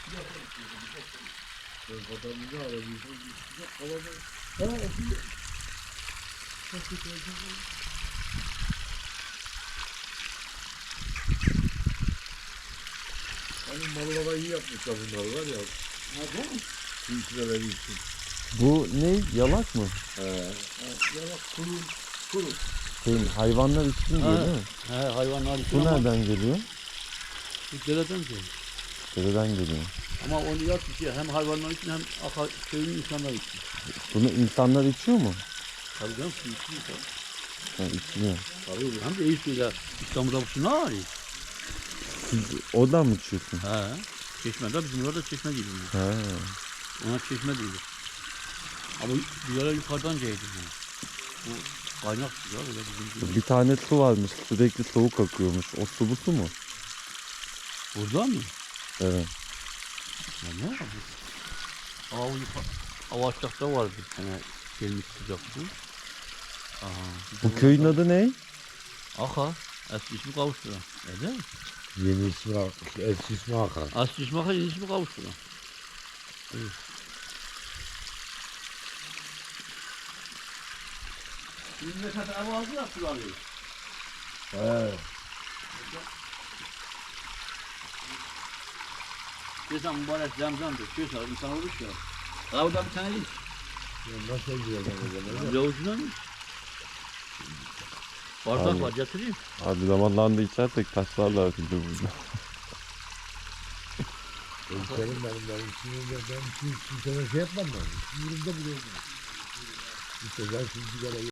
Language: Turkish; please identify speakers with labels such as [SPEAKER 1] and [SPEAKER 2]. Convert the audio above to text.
[SPEAKER 1] Adamını arabiysen sıcak havada. Ha, okuyor. Hani mallara iyi yapmışlar bunlar var ya.
[SPEAKER 2] Nerede?
[SPEAKER 1] Tilkiler için.
[SPEAKER 3] Bu ne? Yalak mı?
[SPEAKER 1] Yalak kuru.
[SPEAKER 3] Hayvanlar için diyor değil mi?
[SPEAKER 2] He, hayvanlar için
[SPEAKER 3] Bu
[SPEAKER 2] ama
[SPEAKER 3] nereden geliyor?
[SPEAKER 2] bu dereden geliyor.
[SPEAKER 3] Dereden geliyor.
[SPEAKER 2] Ama onu yat içiyor. Hem hayvanlar için hem köyün insanlar için.
[SPEAKER 3] Bunu insanlar içiyor mu?
[SPEAKER 2] Tabii canım su içiyor.
[SPEAKER 3] Ha, içmiyor.
[SPEAKER 2] Tabii hem de iyi suyla İstanbul'da bu su ne var ya?
[SPEAKER 3] Siz oradan mı içiyorsun?
[SPEAKER 2] He. Çeşmede bizim orada çeşme değil.
[SPEAKER 3] Ha.
[SPEAKER 2] Ona çeşme değil. Ama bir yere yukarıdan geliyor. Bu kaynak su ya öyle bizim gibi.
[SPEAKER 3] Bir tane su varmış. Sürekli soğuk akıyormuş. O su bu su mu?
[SPEAKER 2] Burada mı?
[SPEAKER 3] Evet.
[SPEAKER 2] Ya ne var bu? Avaçtak'ta var bir tane gelmiş sıcak su. Aha,
[SPEAKER 3] Bu köyün adı ne?
[SPEAKER 2] Aka. Eski ismi Kavuşturan. Öyle mi?
[SPEAKER 1] Yeni ismi, eski ismi Hakan.
[SPEAKER 2] Aslı ismi Aka, yeni ismi Kavuşturan. Evet. Memleket ev aldı ya suları.
[SPEAKER 1] He.
[SPEAKER 2] Geçen mübarek zemzemdir. Şöyle insan olur ya. Kavda bir tane iç.
[SPEAKER 1] Nasıl ediyor o zaman?
[SPEAKER 2] Yavucundan iç. Bardak var getireyim.
[SPEAKER 3] Abi zamanlarında içersek taşlarlar bizi burada.
[SPEAKER 1] Benim sinirimde ben kimseye şey yapmam ben. Sinirimde bile olmaz. İşte ben şimdi sigara